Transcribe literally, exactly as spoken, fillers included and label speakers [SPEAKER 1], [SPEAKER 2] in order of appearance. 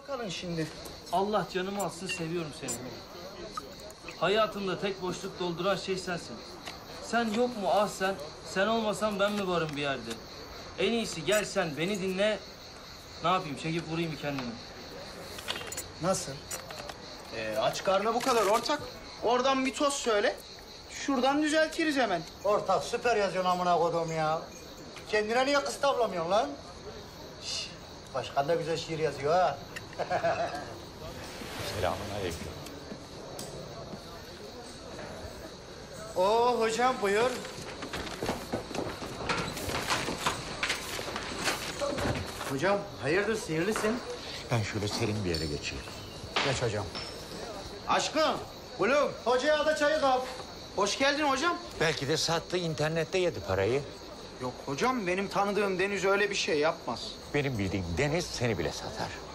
[SPEAKER 1] kalın şimdi.
[SPEAKER 2] Allah canımı alsın, seviyorum seni. Hayatımda tek boşluk dolduran şey sensin. Sen yok mu ah sen? Sen olmasan ben mi varım bir yerde? En iyisi gel sen beni dinle. Ne yapayım, çekip vurayım bir kendimi.
[SPEAKER 1] Nasıl?
[SPEAKER 3] Ee, aç karnı bu kadar ortak. Oradan bir toz söyle. Şuradan düzeltiriz hemen.
[SPEAKER 4] Ortak süper yazıyorsun amına kodum ya. Kendine niye kız tavlamıyorsun lan? Şş, başkan da güzel şiir yazıyor ha.
[SPEAKER 5] Selamünaleyküm.
[SPEAKER 3] Oo hocam buyur.
[SPEAKER 4] Hocam hayırdır sihirlisin?
[SPEAKER 5] Ben şöyle serin bir yere geçeyim.
[SPEAKER 4] Geç hocam.
[SPEAKER 3] Aşkım, oğlum.
[SPEAKER 4] Hocaya da çayı kap.
[SPEAKER 3] Hoş geldin hocam.
[SPEAKER 5] Belki de sattı, internette yedi parayı.
[SPEAKER 3] Yok hocam, benim tanıdığım Deniz öyle bir şey yapmaz.
[SPEAKER 5] Benim bildiğim Deniz seni bile satar.